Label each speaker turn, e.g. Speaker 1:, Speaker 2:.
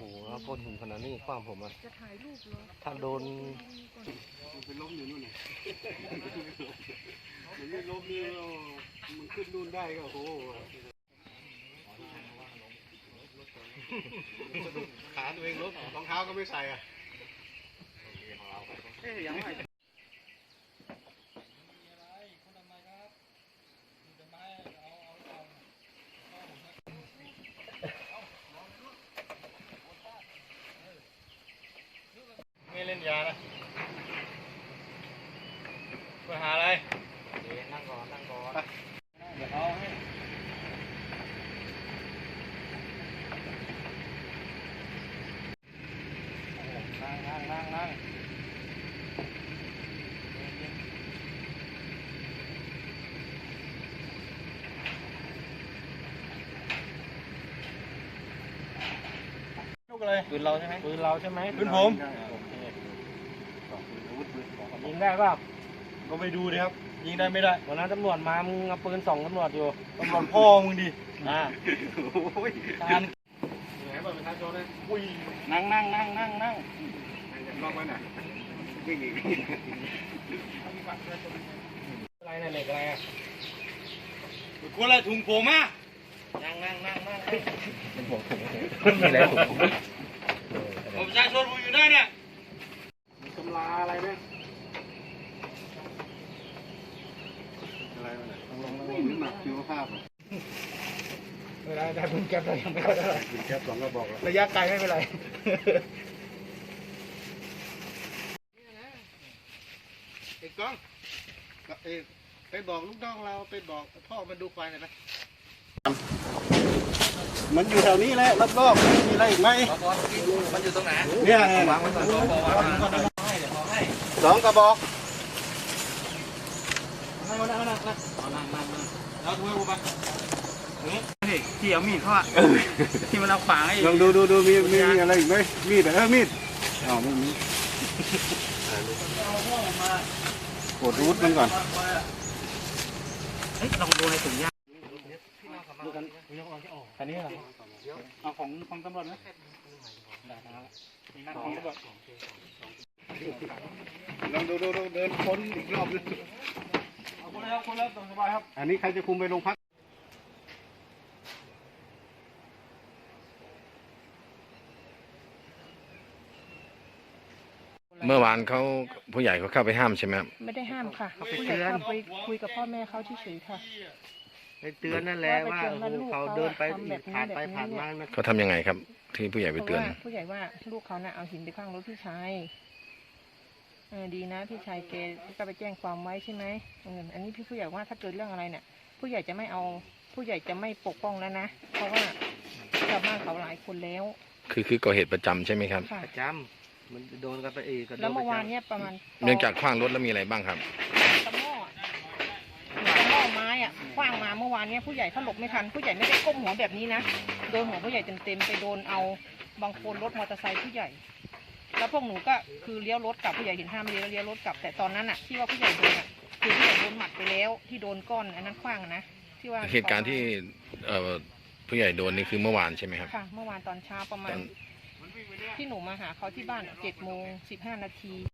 Speaker 1: แล้วก้อนหินขนาดนี้ขว้างผมอ่ะ
Speaker 2: จะถ่ายรูปเหรอ
Speaker 1: ถ้าโดน
Speaker 3: มันเป็นล้มอยู่นู่นน่ะมันไม่ล้มนี่มันขึ้นนู่นได้ก็โอ้โหขาตัวเองล้มรองเท้าก็ไม่ใส่อ่ะยังไม่
Speaker 1: ไม่เล่นยานะไปหาอะไรนั่งก่อนเดี๋ยวเอาให้นั่งลูกอะไรปืนเราใช่ไหมปืนผมยิงได้ป่ะก็ไปดูดิครับยิงได้ไม่ได้วันนั้นตำรวจมามึงเอาปืนส่องตำรวจอยู่ตำรวจพ่อมึงดิโอ้ยการไหนบอกประชาชนเลยอุ้ยนั่งลองไปหน่อยวิ่งอีกอะไรเนี่ยเหล็กอะไรอ่ะคนอะไรถุงผมอ่ะนั่งเป็นผมมีอะไรถุงผมประชาชนผมอยู่ได้เนี่ยมีตำราอะไรไหมอะไรมาเนี่ยต้องหนักชีวภาพเวลาได้ปืนแก๊ปเรายังไม่ค่อยได้ปืนแก๊ป2 กระบอกระยะไกลไม่เป็นไรไอ้ก้องไปบอกลูกน้องเราไปบอกพ่อมาดูควายหน่อยนะมันอยู่แถวนี้แหละรอบๆไม่มีอะไรอีกไหมมันอยู่ตรงไหนเนี่ยวางไว้ก่อน2 กระบอกนั่งแล้วดูให้กูไปที่เอามีดเขาอะที่มันเอาขวางไอ้ลองดูมีอะไรอีกไหมมีดมีดอ๋อไม่มีกดรูทมันก่อนลองดูในถุงยางดูกันอันนี้เหรอเอาของตำรวจไหมได้ครับนั่งของตำรวจลองดูเดินค้นอีกรอบนึงเอาคนแล้วสบายครับอันนี้ใครจะคุมไปโรงพัก
Speaker 4: เมื่อวานเขาผู้ใหญ่เขาเข้าไปห้ามใช่ไหมครับ
Speaker 2: ไม่ได้ห้ามค่ะผู้ใหญ่เข้าไปคุยกับพ่อแม่เขาเฉยๆค่ะ
Speaker 1: ไปเตือนนั่นแหละว่าเขาเดินไปผ่านไปผ่านมา
Speaker 4: เขาทำยังไงครับที่ผู้ใหญ่ไปเตือน
Speaker 2: ผู้ใหญ่ว่าลูกเขาน่ะเอาหินไปข้างรถพี่ชายดีนะพี่ชายแกก็ไปแจ้งความไว้ใช่ไหมอันนี้พี่ผู้ใหญ่ว่าถ้าเกิดเรื่องอะไรเนี่ยผู้ใหญ่จะไม่เอาผู้ใหญ่จะไม่ปกป้องแล้วนะเพราะว่าชาวบ้านเขาหลายคนแล้ว
Speaker 4: คือก่อเหตุประจำใช่ไหมครับ
Speaker 1: ประจำมันโดนกันไปเอง
Speaker 2: แล้วเมื่อวานเนี่ยประมาณ
Speaker 4: เนื่องจากขว้างรถแล้วมีอะไรบ้างครับ
Speaker 2: ตะหม้อไม้ขว้างมาเมื่อวานเนี่ยผู้ใหญ่เขาหลบไม่ทันผู้ใหญ่ไม่ได้ก้มหัวแบบนี้นะโดนหัวผู้ใหญ่เต็มไปโดนเอาบางคนรถมอเตอร์ไซค์ผู้ใหญ่แล้วพวกหนูก็คือเลี้ยวรถกลับผู้ใหญ่เห็นห้ามเลี้ยวรถกลับแต่ตอนนั้นที่ว่าผู้ใหญ่โดนคือผู้ใหญ่โดนหมัดไปแล้วที่โดนก้อนอันนั้นขว้างนะที่ว่า
Speaker 4: เหตุการณ์ที่ผู้ใหญ่โดนนี่คือเมื่อวานใช่ไหมครับ
Speaker 2: ค่ะเมื่อวานตอนเช้าประมาณที่หนูมาหาเขาที่บ้าน7:15 นาที